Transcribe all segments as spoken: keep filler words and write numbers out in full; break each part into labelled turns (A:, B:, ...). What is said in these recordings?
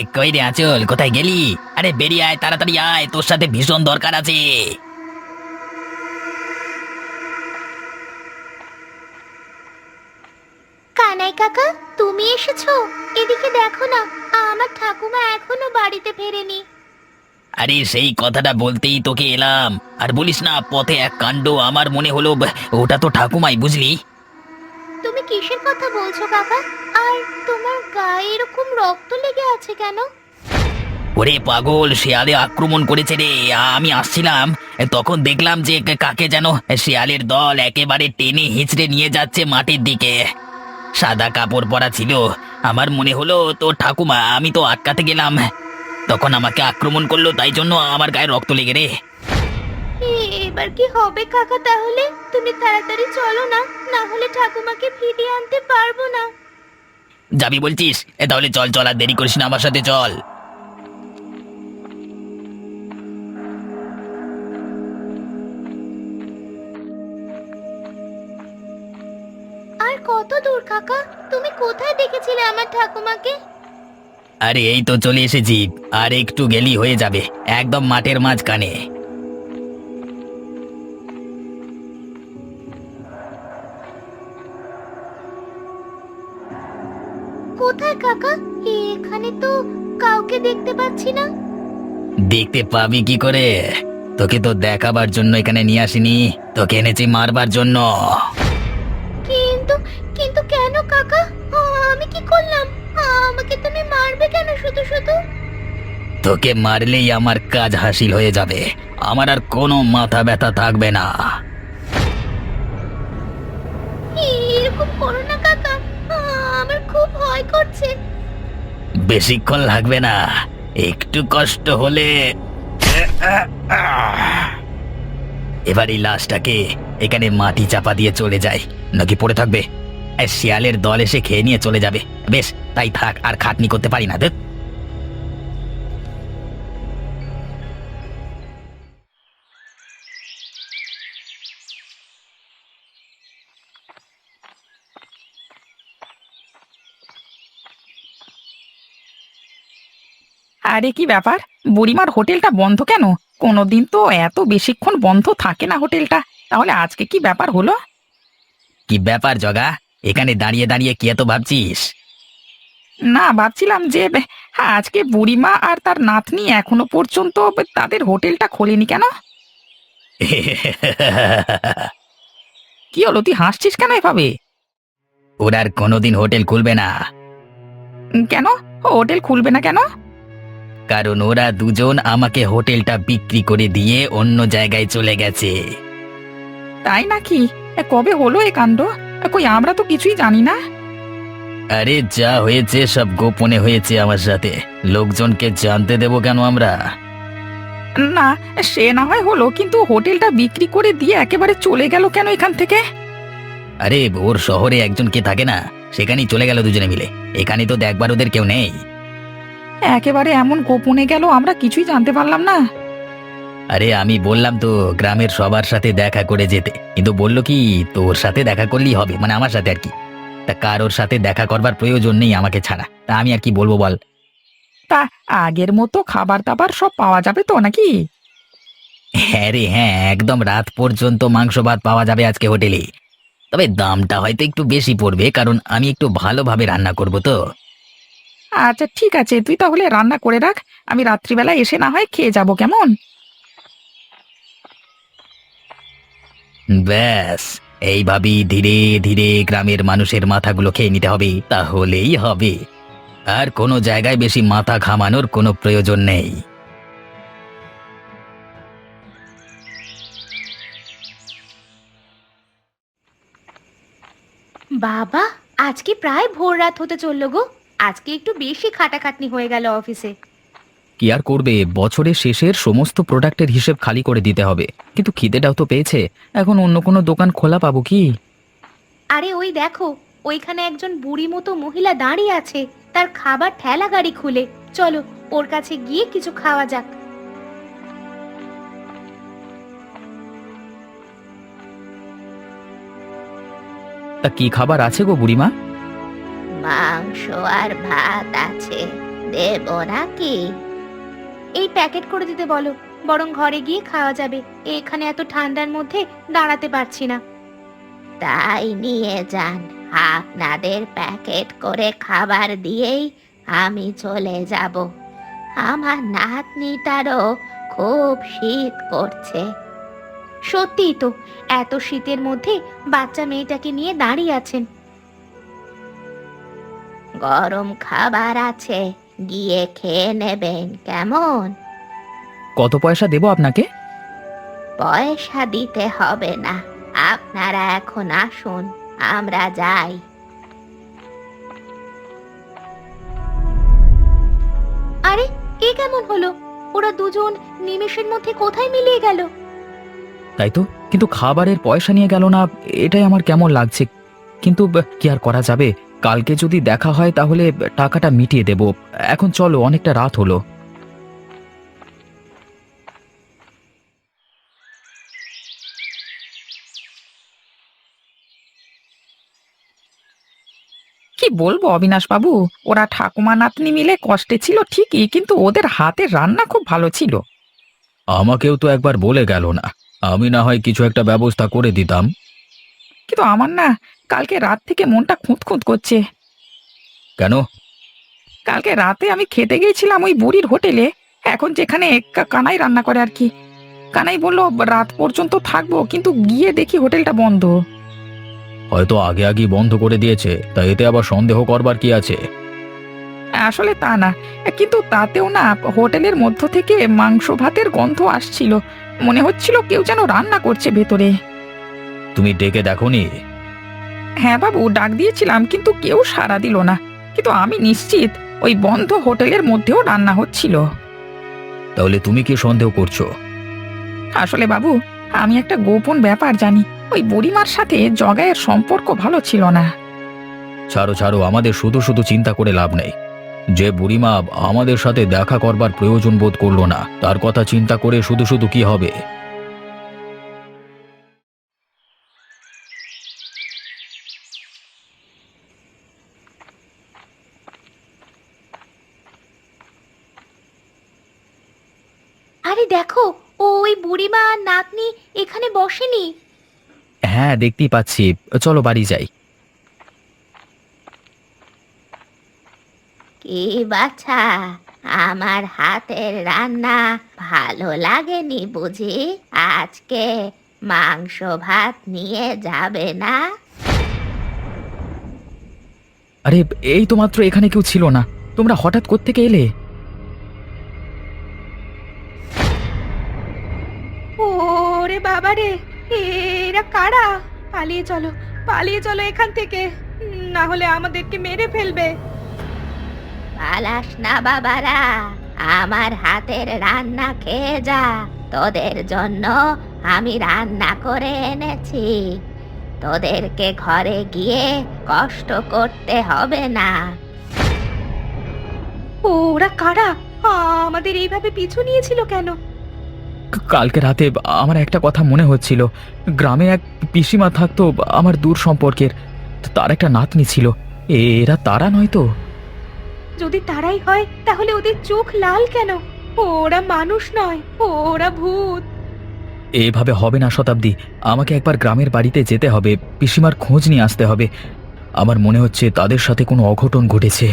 A: কই রে আঁচল, কোথায় গেলি? আরে বেরিয়ে আয়, তাড়াতাড়ি আয়, তোর সাথে ভীষণ দরকার আছে।
B: কানাই কাকা, তুমি এসেছো? এদিকে দেখো না, আমার ঠাকুমা এখনো বাড়িতে ফেরেনি।
A: আরে সেই কথাটা বলতেই তোকে এলাম। আর বলিস না, পথে এক কাণ্ড, আমার মনে হলো ব- ওটা তো ঠাকুমাই, বুঝলি?
B: তুমি কিসের কথা বলছো কাকা? আর তোমার গায়ে এরকম রক্ত লেগে আছে কেন?
A: ওরে পাগল, শেয়ালে আক্রমণ করেছে রে। আমি আসছিলাম, তখন দেখলাম যে কাকে যেন শেয়ালের দল একেবারে টেনে হিঁচড়ে নিয়ে যাচ্ছে মাটির দিকে। সাদা কাপড় পরা ছিল। আমার মনে হলো তো ঠাকুমা, আমি তো আটকাতে গেলাম, তখন আমাকে আক্রমণ করলো, তাই জন্য আমার গায়ে রক্ত লেগে রে।
B: এ- এবার কি হবে কাকা? তাহলে তুমি তাড়াতাড়ি চলো না, না হলে ঠাকুমাকে ফিরিয়ে আনতে পারবো না।
A: যাবি বলছিস? এ তাহলে চল চল, আর দেরি করিস না, আমার সাথে চল।
B: আর কত দূর কাকা? তুমি কোথায় দেখেছিলে আমার ঠাকুমাকে?
A: আরে এই তো চলে এসেছি, আর একটু গেলি হয়ে যাবে, একদম মাঠের মাঝখানে।
B: কোথায় কাকা? এখানে তো কাউকে দেখতে পাচ্ছি না।
A: দেখতে পাবি কি করে? তোকে তো দেখাবার জন্য এখানে নিয়ে আসিনি, তোকে এনেছি মারবার জন্য।
B: কিন্তু কিন্তু কেন কাকা? আ, আমি কি করলাম? আ, আমাকে তুমি মারবে কেন শুধু শুধু?
A: তোকে মারলেই আমার কাজ হাসিল হয়ে যাবে, আমার আর কোনো মাথা ব্যথা থাকবে না।
B: এরকম করো না কাকা, আ, আমার খুব ভয় করছে।
A: বেশিক্ষণ লাগবে না, একটু কষ্ট হলে। এবার এই লাশটাকে এখানে মাটি চাপা দিয়ে চলে যায়, নাকি পড়ে থাকবে? এই শিয়ালের দল এসে খেয়ে নিয়ে চলে যাবে। বেশ, তাই থাক, আর খাটনি করতে পারি না, দেখ।
C: আরে কি ব্যাপার, বুড়িমার হোটেলটা বন্ধ কেন? কোনোদিন তো এত বেশিক্ষণ বন্ধ থাকে না হোটেলটা। তাহলে আজকে কি ব্যাপার হলো?
A: কি ব্যাপার জগা, এখানে দাঁড়িয়ে দাঁড়িয়ে কি এত ভাবছিস?
C: না, ভাবছিলাম যে বে- হ্যাঁ, আজকে বুড়িমা আর তার নাতনি এখনো পর্যন্ত বে- তাদের হোটেলটা খোলেনি কেন? কি হলো, তুই হাসছিস কেন এভাবে?
A: ওরা আর কোনোদিন হোটেল খুলবে না,
C: উম, কেন? ও হোটেল খুলবে না কেন?
A: কারণ ওরা দুজন আমাকে হোটেলটা বিক্রি করে দিয়ে অন্য জায়গায় চলে গেছে।
C: তাই নাকি? এ, কবে হলো এ কাণ্ড? এ, কই আমরা তো কিছুই জানি না।
A: আরে যা হয়েছে সব গোপনে হয়েছে আমার সাথে, লোকজনকে জানতে দেবো কেন আমরা?
C: না, সে না হয় হলো, কিন্তু হোটেলটা বিক্রি করে দিয়ে একেবারে চলে গেল কেন এখান থেকে?
A: আরে ওর শহরে একজন কে থাকে না, সেখানেই চলে গেল দুজনে মিলে। এখানে তো দেখবার ওদের কেউ নেই।
C: একেবারে এমন গোপনে গেল, আমরা কিছুই জানতে পারলাম না।
A: আরে আমি বললাম তো গ্রামের সবার সাথে দেখা করে যেতে, কিন্তু বললো কি তোর সাথে দেখা করলেই হবে, মানে আমার সাথে আর কি। তা কারোর সাথে দেখা করবার প্রয়োজন নেই আমাকে ছাড়া, তা আমি আর কি বলবো বল?
C: তা আগের মতো খাবার দাবার সব পাওয়া যাবে তো নাকি?
A: হ্যাঁ রে হ্যাঁ, একদম রাত পর্যন্ত মাংস ভাত পাওয়া যাবে আজকে হোটেলে। তবে দামটা হয়তো একটু বেশি পড়বে, কারণ আমি একটু ভালোভাবে রান্না করব তো।
C: আচ্ছা ঠিক আছে, তুই তাহলে রান্না করে রাখ, আমি রাত্রিবেলা এসে না হয় খেয়ে যাব, কেমন?
A: ব্যাস, এইভাবেই ধীরে ধীরে গ্রামের মানুষের মাথাগুলো খেয়ে নিতে হবে, তাহলেই হবে। আর কোনো জায়গায় বেশি মাথা ঘামানোর কোনো প্রয়োজন নেই।
B: বাবা, আজকে প্রায় ভোর রাত হতে চললো গো। আজকে একটু বেশি খাটাখাটনি হয়ে গেল অফিসে।
A: কি আর করবে, বছরের শেষের সমস্ত প্রোডাক্টের হিসেব খালি করে দিতে হবে। কিন্তু খিদেটাও তো পেয়েছে, এখন অন্য কোনো দোকান খোলা পাবো কি?
B: আরে ওই দেখো, ওইখানে একজন বুড়ি মতো মহিলা দাঁড়িয়ে আছে, তার খাবার ঠেলা গাড়ি খুলে। চলো ওর কাছে গিয়ে কিছু খাওয়া যাক।
A: তা কি খাবার আছে গো বুড়িমা?
B: মাংস আর ভাত আছে, দেব নাকি? এই প্যাকেট করে দিতে বলো, বরং ঘরে গিয়ে খাওয়া যাবে। এখানে এত ঠান্ডার মধ্যে দাঁড়াতে পারছি না। তাই নিয়ে যান, আপনাদের প্যাকেট করে খাবার দিয়েই আমি চলে যাব। আমার নাতনিটারও খুব শীত করছে। সত্যিই তো, এত শীতের মধ্যে বাচ্চা মেয়েটাকে নিয়ে দাঁড়িয়ে আছেন। গরম খাবার আছে, গিয়ে খেয়ে নেবেন কেমন?
A: কত পয়সা দেবো আপনাকে?
B: পয়সা দিতে হবে না, আপনারা এখন আসুন, আমরা যাই। আরে, এ কেমন হলো? ওরা দুজন নিমেষের মধ্যে কোথায় মিলিয়ে গেল?
A: তাই তো, কিন্তু খাবারের পয়সা নিয়ে গেল না, এটাই আমার কেমন লাগছে। কিন্তু ব- কি আর করা যাবে, কালকে যদি দেখা হয় তাহলে টাকাটা মিটিয়ে দেব। এখন চলো, অনেকটা রাত হলো।
C: কি বলবো অবিনাশ বাবু, ওরা ঠাকুমা নাতনি মিলে কষ্টে ছিল ঠিকই, কিন্তু ওদের হাতের রান্না খুব ভালো ছিল।
A: আমাকেও তো একবার বলে গেল না, আমি না হয় কিছু একটা ব্যবস্থা করে দিতাম।
C: কিন্তু আমার না কালকে রাত থেকে মনটা খুঁত খুঁত করছে।
A: কেন?
C: কালকে রাতে আমি খেতে গিয়েছিলাম ওই বুড়ির হোটেলে, এখন যেখানে কা- কানাই রান্না করে আর কি। কানাই বলল রাত পর্যন্ত থাকবো, কিন্তু গিয়ে দেখি হোটেলটা বন্ধ।
A: হয়তো আগে আগেই বন্ধ করে দিয়েছে, তাই এতে আবার সন্দেহ করবার কি আছে?
C: আসলে তা না, কিন্তু তাতেও না হোটেলের মধ্য থেকে মাংস ভাতের গন্ধ আসছিল, মনে হচ্ছিল কেউ যেন রান্না করছে ভেতরে।
A: তুমি ডেকে দেখোনি?
C: হ্যাঁ বাবু, ডাক দিয়েছিলাম কিন্তু কেউ সাড়া দিল না, কিন্তু আমি নিশ্চিত ওই বন্ধ হোটেলের মধ্যেও রান্না হচ্ছিল।
A: তাহলে তুমি কি সন্দেহ করছো?
C: আসলে বাবু, আমি একটা গোপন ব্যাপার জানি, ওই বুড়িমার সাথে জগায়ের সম্পর্ক ভালো ছিল না।
A: ছাড়ো ছাড়ো, আমাদের শুধু শুধু চিন্তা করে লাভ নেই। যে বুড়িমা আমাদের সাথে দেখা করবার প্রয়োজন বোধ করলো না, তার কথা চিন্তা করে শুধু শুধু কি হবে?
B: আরে দেখো, ও ওই বুড়িমা আর নাতনি এখানে বসেনি।
A: হ্যাঁ, দেখতেই পাচ্ছি। চলো বাড়ি যাই।
B: কি বাছা, আমার হাতের রান্না ভালো লাগেনি বুঝি? আজকে মাংস ভাত নিয়ে যাবে না?
A: আরে, এই তো মাত্র এখানে কেউ ছিল না, তোমরা হঠাৎ কোত্থেকে এলে?
B: ওরে বাবা রে, এরা কারা? পালিয়ে চলো, পালিয়ে চলো এখান থেকে, না হলে আমাদেরকে মেরে ফেলবে। পালাস না বাবারা, আমার হাতের রান্না খেয়ে যা। তোদের জন্য আমি রান্না করে এনেছি, তোদেরকে ঘরে গিয়ে কষ্ট করতে হবে না। ওরা কারা? আমাদের এইভাবে পিছু নিয়েছিল কেন?
A: ক- কালকে রাতে আমার একটা কথা মনে হচ্ছিল। গ্রামে এক পিসিমা থাকতো, আমার দূর সম্পর্কের। তার একটা নাতনি ছিল। এরা তারা নয় তো?
B: যদি তারাই হয় তাহলে ওদের চোখ লাল কেন? ওরা মানুষ নয়, ওরা ভূত।
A: এভাবে হবে না শতাব্দী, আমাকে একবার গ্রামের বাড়িতে যেতে হবে, পিসিমার খোঁজ নিয়ে আসতে হবে। আমার মনে হচ্ছে তাদের সাথে কোনো অঘটন ঘটেছে।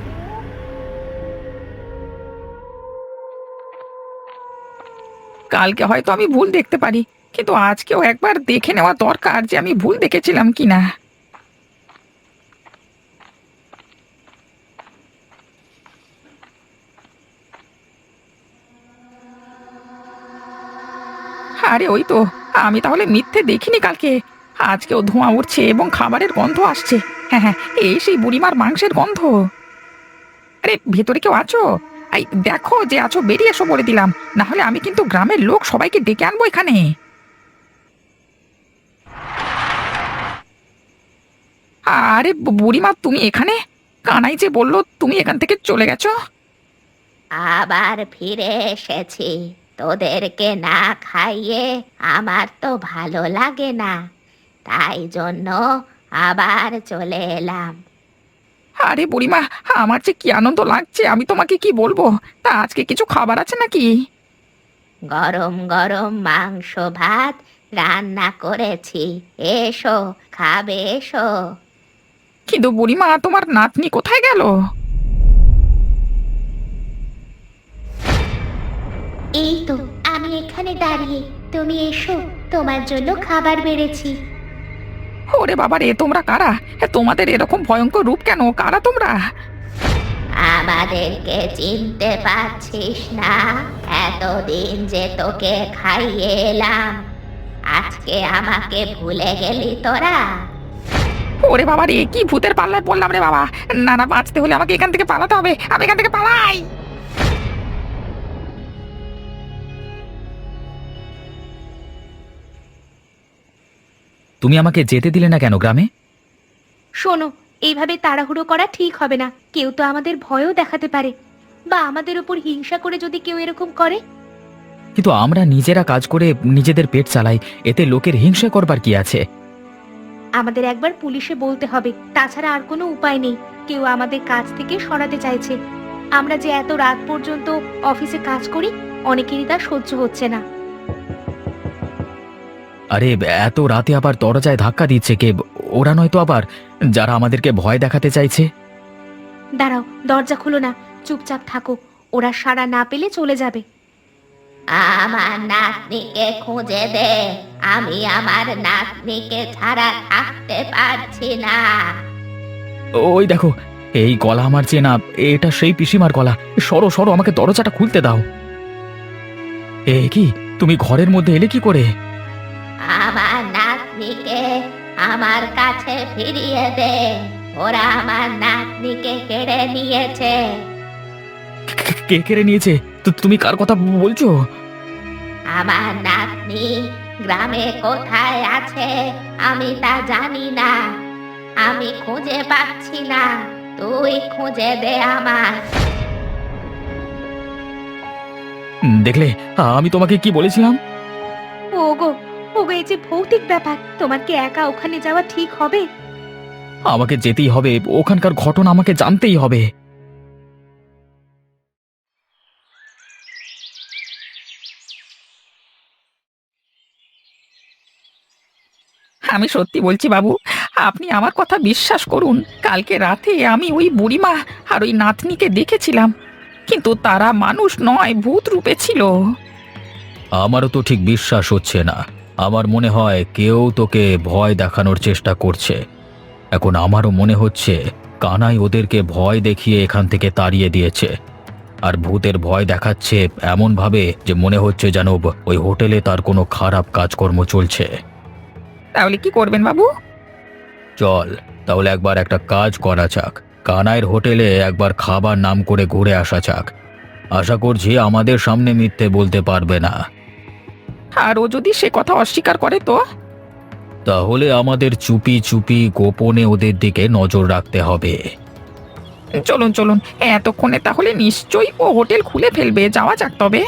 C: কালকে হয়তো আমি ভুল দেখতে পারি, কিন্তু আজকেও একবার দেখে নেওয়া দরকার যে আমি ভুল দেখেছিলাম কিনা। আরে ওই তো, আমি তাহলে মিথ্যে দেখিনি কালকে। আজকেও ধোঁয়া উঠছে এবং খাবারের গন্ধ আসছে। হ্যাঁ হ্যাঁ, এই সেই বুড়িমার মাংসের গন্ধ। আরে ভেতরে কেউ আছো? এই দেখো যে আছো, বেরিয়ে এসো বলে দিলাম, না হলে আমি কিন্তু গ্রামের লোক সবাইকে ডেকে আনবো এখানে। আরে বু- বুড়িমা, তুমি এখানে? কানাই যে বললো তুমি এখান থেকে চলে গেছো।
B: আবার ফিরে এসেছি, তোদেরকে না খাইয়ে আমার তো ভালো লাগে না, তাই জন্য আবার চলে এলাম।
C: আরে বুড়িমা, আমার যে কি আনন্দ লাগছে আমি তোমাকে কি বলবো। তা আজকে কিছু খাবার আছে নাকি?
B: গরম গরম মাংস ভাত রান্না করেছি, এসো খাবে এসো।
C: কিন্তু বুড়িমা, তোমার নাতনি কোথায় গেল?
B: এই তো আমি এখানে দাঁড়িয়ে, তুমি এসো, তোমার জন্য খাবার বেড়েছি।
C: ওরে বাবা রে, তোমরা কারা? এ, তোমাদের এরকম ভয়ঙ্কর রূপ কেন? কারা তোমরা?
B: আমাদেরকে চিনতে পারছিস না? এতদিন যে তোকে খাইয়ে এলাম, আজকে আমাকে ভুলে গেলি তোরা?
C: ওরে বাবা রে, কি ভূতের পাল্লায় পড়লাম রে বাবা। না না, বাঁচতে হলে আমাকে এখান থেকে পালাতে হবে। আমি এখান থেকে পালাই।
A: তুমি আমাকে যেতে দিলে না কেন গ্রামে?
B: শোনো, এইভাবে তাড়াহুড়ো করা ঠিক হবে না। কেউ তো আমাদের ভয়ও দেখাতে পারে, বা আমাদের উপর হিংসা করে যদি কেউ এরকম করে।
A: কিন্তু আমরা নিজেরা কাজ করে নিজেদের পেট চালাই, এতে লোকের হিংসা করবার কি আছে?
B: আমাদের একবার পুলিশে বলতে হবে, তাছাড়া আর কোনো উপায় নেই। কেউ আমাদের কাজ থেকে সরাতে চাইছে। আমরা যে এত রাত পর্যন্ত অফিসে কাজ করি, অনেকেরই তা সহ্য হচ্ছে না।
A: আরে এত রাতে আবার দরজায় ধাক্কা দিচ্ছে কে? ওরা নয়তো আবার যারা আমাদেরকে ভয় দেখাতে চাইছে?
B: দাঁড়াও, দরজা খুলো না, চুপচাপ থাকো। ওরা সাড়া না পেলে চলে যাবে। আমার নাতনিকে খুঁজে দে, আমি আমার নাতনিকে ছাড়া থাকতে পারছি না।
A: ওই দেখো, এই গলা আমার চেনা, এটা সেই পিসিমার গলা। সরো সরো, আমাকে দরজাটা খুলতে দাও। এ কি, তুমি ঘরের মধ্যে এলে কি করে?
B: আমার নাতনিকে আমার কাছে ফিরিয়ে দে, ওরা আমার নাতনিকে কেড়ে নিয়েছে।
A: কে কেড়ে নিয়েছে? তো তুমি কার কথা বলছো?
B: আমার নাতনি গ্রামে কোথায় আছে আমি তা জানি না, আমি খুঁজে পাচ্ছি না, তুই খুঁজে দে আমার।
A: দেখলে, আমি তোমাকে কি বলেছিলাম?
B: ওগো ওগো, এই যে ভৌতিক ব্যাপার, তোমার কি একা ওখানে যাওয়া ঠিক হবে?
A: আমাকে যেতেই হবে, ওখানকার ঘটনা আমাকে জানতেই হবে।
C: আমি সত্যি বলছি বাবু, আপনি আমার কথা বিশ্বাস করুন। কালকে রাতে আমি ওই বুড়িমা আর ওই নাতনিকে দেখেছিলাম, কিন্তু তারা মানুষ নয়, ভূত রূপে ছিল।
A: আমারও তো ঠিক বিশ্বাস হচ্ছে না। আমার মনে হয় কেউ তোকে ভয় দেখানোর চেষ্টা করছে। এখন আমারও মনে হচ্ছে কানাই ওদেরকে ভয় দেখিয়ে এখান থেকে তাড়িয়ে দিয়েছে। আর ভূতের ভয় দেখাচ্ছে এমন ভাবে যে মনে হচ্ছে যেন ওই হোটেলে তার কোনো খারাপ কাজকর্ম চলছে।
C: তাহলে কি করবেন বাবু?
A: চল তাহলে একবার একটা কাজ করা যাক, কানাইয়ের হোটেলে একবার খাবার নাম করে ঘুরে আসা যাক। আশা করছি আমাদের সামনে মিথ্যে বলতে পারবে না।
C: আর ও যদি সে কথা অস্বীকার করে তো?
A: তাহলে আমাদের চুপি চুপি গোপনে ওদের দিকে নজর রাখতে হবে।
C: চলুন চলুন, এতক্ষণে তাহলে নিশ্চয়ই ও হোটেল খুলে ফেলবে। যাওয়া যাক তবে।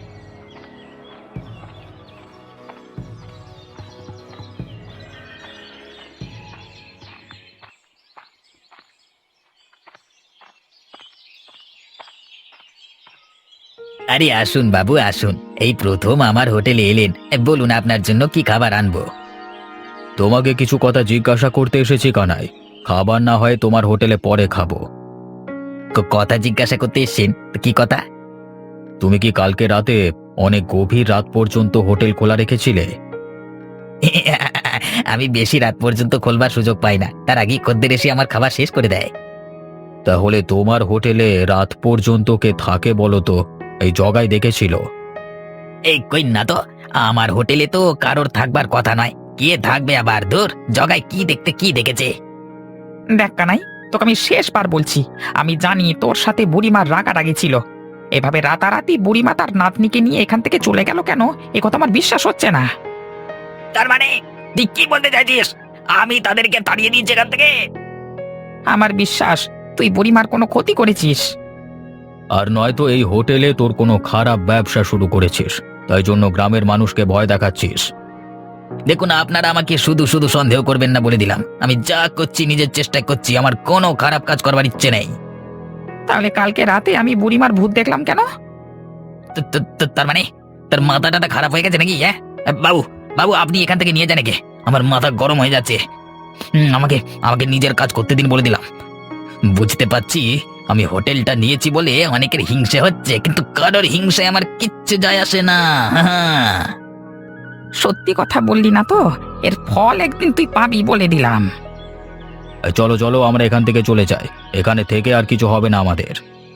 A: আরে আসুন বাবু আসুন, এই প্রথম আমার হোটেলে এলেন, বলুন আপনার জন্য কি খাবার আনবো। তোমাকে কিছু কথা জিজ্ঞাসা করতে এসেছি কানাই। খাবার না হয় তোমার হোটেলে পরে খাবো। কথা জিজ্ঞাসা করতে এসেছেন? কি কথা? তুমি কি কালকে রাতে অনেক গভীর রাত পর্যন্ত হোটেল খোলা রেখেছিলে? আমি বেশি রাত পর্যন্ত খোলবার সুযোগ পাই না, তার আগেই খদ্দের এসে আমার খাবার শেষ করে দেয়। তাহলে তোমার হোটেলে রাত পর্যন্ত কে থাকে বলো তো? এই জগাই দেখেছিল? এই কই না তো, আমার হোটেলে তো কারোর থাকবার কথা নয়। কে থাকবে আবার? দূর, জগাই কি দেখতে কি দেখেছে?
C: দেখ কানাই, তোকে আমি শেষবার বলছি, আমি জানি তোর সাথে বুড়িমার রাগারাগি ছিল। এভাবে রাতারাতি বুড়িমা তার নাতনিকে নিয়ে এখান থেকে চলে গেল কেন, এ কথা আমার বিশ্বাস হচ্ছে না।
A: তার মানে তুই কি বলতে চাইছিস? আমি তাদেরকে তাড়িয়ে দিয়েছি এখান থেকে?
C: আমার বিশ্বাস তুই বুড়িমার কোনো ক্ষতি করেছিস।
A: আর নয়তো এই হোটেলে তোর কোনো খারাপ ব্যবসা শুরু করেছিস, তাই জন্য গ্রামের মানুষকে ভয় দেখাচ্ছিস। দেখুন, আপনারা আমাকে শুধু শুধু সন্দেহ করবেন না বলে দিলাম। আমি যা করছি নিজের চেষ্টা করছি, আমার কোনো খারাপ কাজ করবার ইচ্ছে নেই।
C: তাহলে কালকে রাতে আমি বুড়িমার ভূত দেখলাম কেন?
A: তো- তো- তো- তার মানে তার মাথা টাথা খারাপ হয়ে গেছে নাকি? হ্যাঁ বাবু, বাবু আপনি এখান থেকে নিয়ে যান একে। আমার মাথা গরম হয়ে যাচ্ছে। হুম, আমাকে আমাকে নিজের কাজ করতে দিন বলে দিলাম। বুঝতে পারছি আমি হোটেলটা নিয়েছি বলে অনেকের হিংসে হচ্ছে, কিন্তু কারোর হিংসে আমার কিচ্ছু যায় আসে না। হ্যাঁ,
C: সত্যি কথা বললি না তো, এর ফল একদিন তুই পাবি বলে দিলাম।
D: চলো চলো, আমরা এখান থেকে চলে যাই। এখানে থেকে আর কিছু হবে না আমাদের।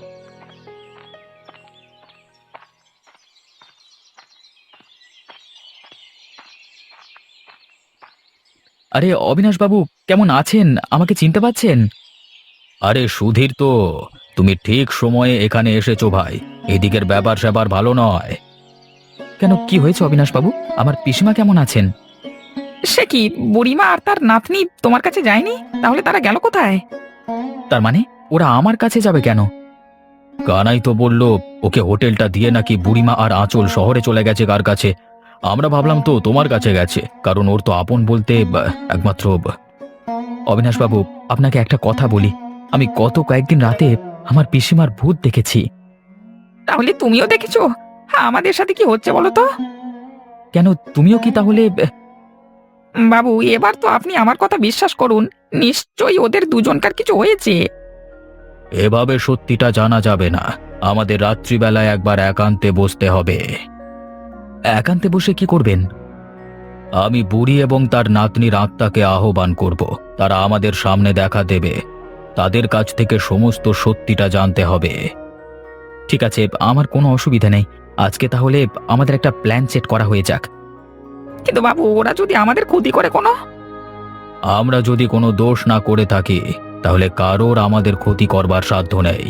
A: আরে অবিনাশ বাবু, কেমন আছেন? আমাকে চিনতে পাচ্ছেন?
D: আরে সুধীর তো, তুমি ঠিক সময়ে এখানে এসেছো ভাই। এদিকের ব্যাপার স্যাপার ভালো নয়।
A: কেন, কি হয়েছে অবিনাশ বাবু? আমার পিসিমা কেমন আছেন?
C: সে কি, বুড়িমা আর তার নাতনি তোমার কাছে যায়নি? তাহলে তারা গেল কোথায়?
A: তার মানে ওরা আমার কাছে যাবে কেন?
D: কানাই তো বলল ওকে হোটেলটা দিয়ে নাকি বুড়িমা আর আঁচল শহরে চলে গেছে কার কাছে। আমরা ভাবলাম তো তোমার কাছে গেছে, কারণ ওর তো আপন বলতে বা, একমাত্র বা-
A: অবিনাশ বাবু, আপনাকে একটা কথা বলি। আমি গত কয়েকদিন রাতে আমার পিসিমার ভূত দেখেছি।
C: তাহলে তুমিও দেখেছো? হ্যাঁ, আমাদের সাথে কি হচ্ছে বলো তো?
A: কেন, তুমিও কি তাহলে?
C: বাবু, এবার তো আপনি আমার কথা বিশ্বাস করুন, নিশ্চয়ই ওদের দুজনকার কিছু হয়েছে।
D: এভাবে সত্যিটা জানা যাবে না। আমাদের রাত্রিবেলায় একবার একান্তে বসতে হবে।
A: একান্তে বসে কি করবেন?
D: আমি বুড়ি এবং তার নাতনির আত্মাকে আহ্বান করব। তারা আমাদের সামনে দেখা দেবে। তাদের কাছ থেকে সমস্ত সত্যিটা জানতে হবে।
A: ঠিক আছে, আমার কোনো অসুবিধা নেই। আজকে তাহলে আমাদের একটা প্ল্যান সেট করা হয়ে যাক।
C: কিন্তু বাবু, ওরা যদি আমাদের ক্ষতি করে কোনো?
D: আমরা যদি কোনো দোষ না করে থাকি, তাহলে কারোর আমাদের ক্ষতি করবার সাধ্য নেই।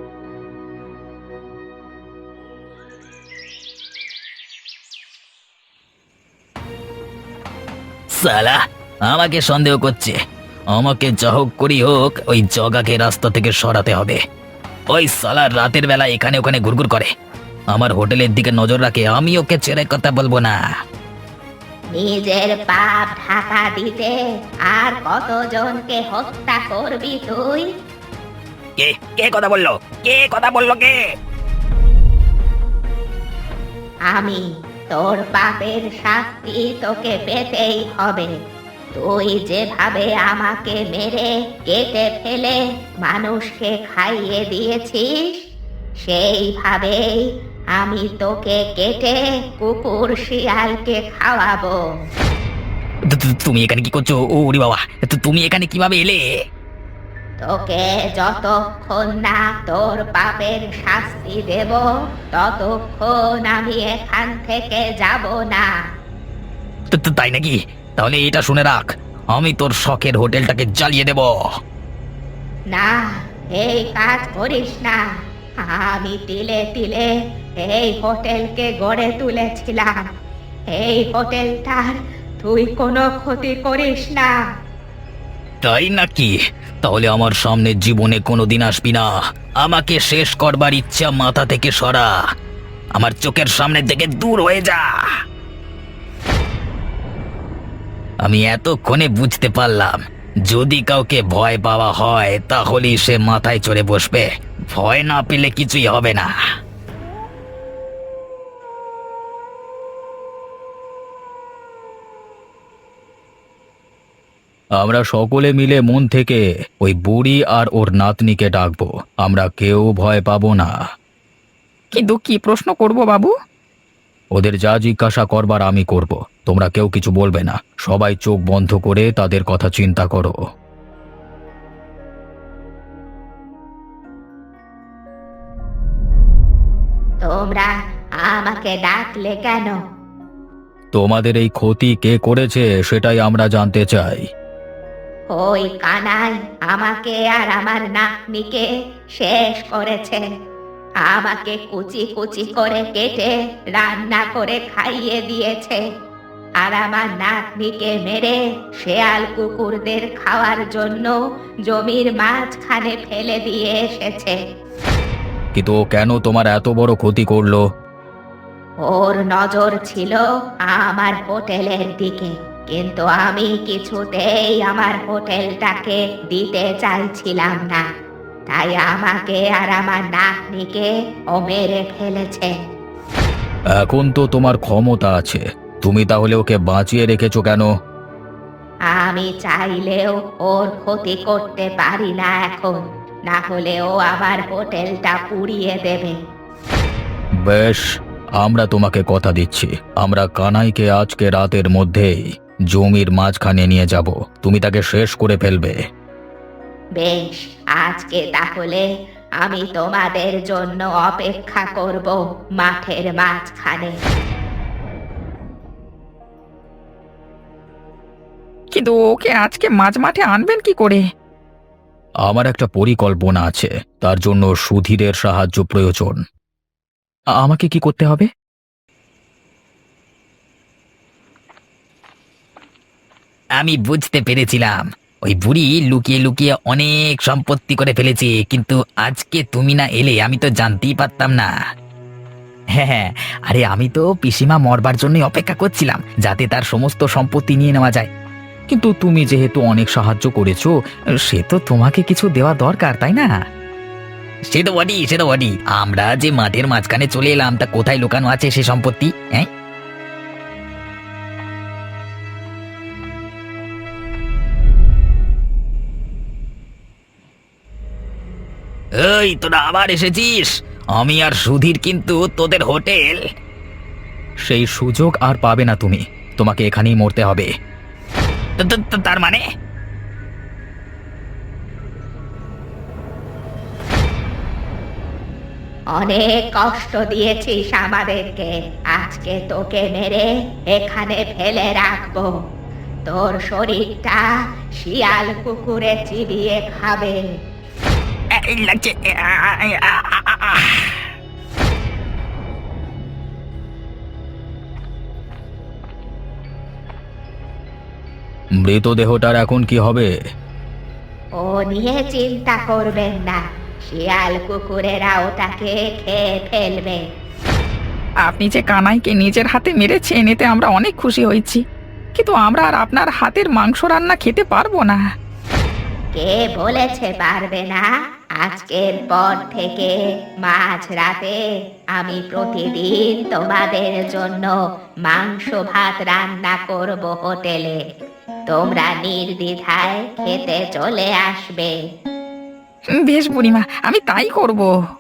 A: সালা আমাকে সন্দেহ করছে। আমাকে যা হোক করি হোক ওই জগাকে রাস্তা থেকে সরাতে হবে। ওই সালা রাতের বেলা এখানে ওখানে ঘুরঘুর করে, আমার হোটেলের দিকে নজর রাখে। আমি ওকে ছেড়ে কথা বলবো না।
B: নিজের পাপ ঢাকা দিতে আর কতজনকে হত্যা করবি তুই?
A: কে কে কথা বললো? কে কথা বললো? কে?
B: আমি। তোর পাপের শাস্তি তোকে পেতেই হবে। তুই যেভাবে আমাকে মেরে কেটে ফেলে মানুষকে খাইয়ে দিয়েছিস, সেইভাবেই আমি তোকে কেটে কুকুর শিয়ালকে খাওয়াবো।
A: তু- তু- তুমি এখানে কি করছো? ও ওরে বাবা, তু- তুমি এখানে কিভাবে এলে?
B: তোকে যতক্ষণ না তোর পাপের শাস্তি দেব, ততক্ষণ আমি এখান থেকে যাব না।
A: তু- তু- তাই নাকি? তাহলে এটা শুনে রাখ, আমি তোর শখের হোটেলটাকে জ্বালিয়ে দেব।
B: না, এই কাজ করিস না। আমি তিলে তিলে এই হোটেলকে গড়ে তুলেছিলাম। এই হোটেলটার তুই কোনো ক্ষতি করিস না।
A: তাই নাকি? তাহলে আমার সামনে জীবনে কোনোদিন আসবি না। আমাকে শেষ করবার ইচ্ছা মাথা থেকে সরা। আমার চোখের সামনে থেকে দূর হয়ে যা। আমি এতক্ষণে বুঝতে পারলাম, যদি কাউকে ভয় পাওয়া হয় তাহলেই সে মাথায় চড়ে বসবে। ভয় না পেলে কিছুই হবে না।
D: আমরা সকলে মিলে মন থেকে ওই বুড়ি আর ওর নাতনিকে ডাকবো। আমরা কেউ ভয় পাবো না।
C: কিন্তু কি প্রশ্ন করব বাবু?
D: ওদের যা জিজ্ঞাসা করবার আমি করব। তোমরা কেউ কিছু বলবে না। সবাই চোখ বন্ধ করে তাদের কথা চিন্তা করো।
B: তোমরা আমাকে ডাকলে কেন?
D: তোমাদের এই ক্ষতি কে করেছে সেটাই আমরা জানতে চাই।
B: ওই কানাই আমাকে আর আমার নাতনিকে শেষ করেছে। আমাকে কুচি কুচি করে কেটে রান্না করে খাইয়ে দিয়েছে, আর আমার নাতনিকে মেরে শেয়াল কুকুরদের খাওয়ার জন্য জমির মাঝখানে ফেলে দিয়ে এসেছে।
D: কিন্তু ও কেন তোমার এত বড় ক্ষতি করলো?
B: ওর নজর ছিল আমার হোটেলের দিকে, কিন্তু আমি কিছুতেই আমার হোটেলটাকে দিতে চাইছিলাম না, তাই আমাকে আর আমার নাতনিকে ও মেরে ফেলেছে।
D: এখন তো তোমার ক্ষমতা আছে, তুমি তাহলে ওকে বাঁচিয়ে রেখেছো কেন?
B: আমি চাইলেও ওর ক্ষতি করতে পারি না এখন, না হলে ও আমার হোটেলটা পুড়িয়ে দেবে।
D: বেশ, আমরা তোমাকে কথা দিচ্ছি, আমরা কানাইকে আজকে রাতের মধ্যেই জমির মাঝখানে নিয়ে যাব, তুমি তাকে শেষ করে ফেলবে।
B: বেশ, আজকে তাহলে আমি তোমাদের জন্য অপেক্ষা করব মাঠের মাঝখানে।
C: কিন্তু ওকে আজকে মাঝ মাঠে আনবেন কি করে?
D: আমার একটা পরিকল্পনা আছে, তার জন্য সুধীরের সাহায্য প্রয়োজন। আ- আমাকে কি করতে হবে?
A: আমি বুঝতে পেরেছিলাম ওই বুড়ি লুকিয়ে লুকিয়ে অনেক সম্পত্তি করে ফেলেছে, কিন্তু আজকে তুমি না এলে আমি তো জানতেই পারতাম না। হ্যাঁ হ্যাঁ, আরে আমি তো পিসিমা মরবার জন্যই অপেক্ষা করছিলাম, যাতে তার সমস্ত সম্পত্তি নিয়ে নেওয়া যায়।
D: কিন্তু তুমি যেহেতু অনেক সাহায্য করেছো, সে তো তোমাকে কিছু দেওয়া দরকার, তাই না?
A: সে তো বডি সে তো বডি আমরা যে মাঠের মাঝখানে চলে এলাম, তা কোথায় লুকানো আছে সে সম্পত্তি? হ্যাঁ, এই তোরা আবার এসেছিস? আমি আর সুধীর কিন্তু তোদের হোটেল।
D: সেই সুযোগ আর পাবে না তুমি, তোমাকে এখানেই মরতে হবে।
A: তা- তা- তা- তার মানে
B: অনেক কষ্ট দিয়েছিস আমাদেরকে, আজকে তোকে মেরে এখানে ফেলে রাখবো। তোর শরীরটা শিয়াল কুকুরে চিবিয়ে খাবে।
A: এই লাগছে। আ, আ, আ, আ, আ, আ।
D: মৃতদেহটার এখন কি হবে?
B: ও নিয়ে চিন্তা করবেন না, শিয়াল কুকুরেরা ওটাকে খেয়ে ফেলবে।
C: আপনি যে কানাইকে নিজের হাতে মেরেছেন, এতে আমরা অনেক খুশি হয়েছি, কিন্তু আমরা আর আপনার হাতের মাংস রান্না খেতে পারবো না।
B: কে বলেছে পারবে না? আজকের পর থেকে মাঝ রাতে আমি প্রতিদিন তোমাদের জন্য মাংস ভাত রান্না করব হোটেলে। তোমরা নির্দ্বিধায় খেতে চলে আসবে।
C: বেশ বুড়িমা, আমি তাই করব।